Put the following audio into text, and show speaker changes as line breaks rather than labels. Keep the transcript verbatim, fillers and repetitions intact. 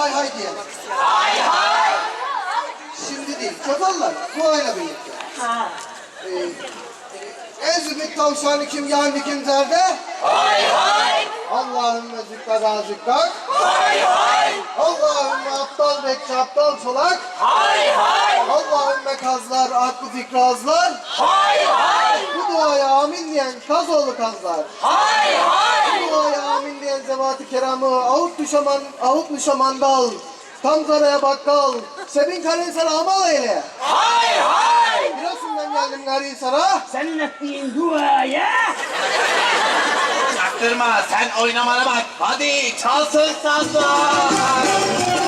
hay hay diyelim.
Hay hay.
Şimdi değil, çakallar duayla birlikte.
Ha.
Ee, Ezmit tavşanı kim yandı kim zerde?
Hay hay.
Allahümme zükkada zükkak.
Hay hay.
Allahümme aptal bekçi aptal çolak.
Hay hay.
Allahümme kazlar aklı fikri azlar.
Hay hay.
Bu duaya amin diyen kazoğlu kazlar.
Hay hay.
Bu duaya amin diyen zevat-ı keramı ahut düşaman, ahut müşamandal. Tam zaraya bakkal. Sebin karen amal eyle.
Hay hay.
Giresun'dan geldim Garihisar'a.
Senin ettiğin duaya.
Çaktırma, sen oynamana bak. Hadi çalsın sazlar.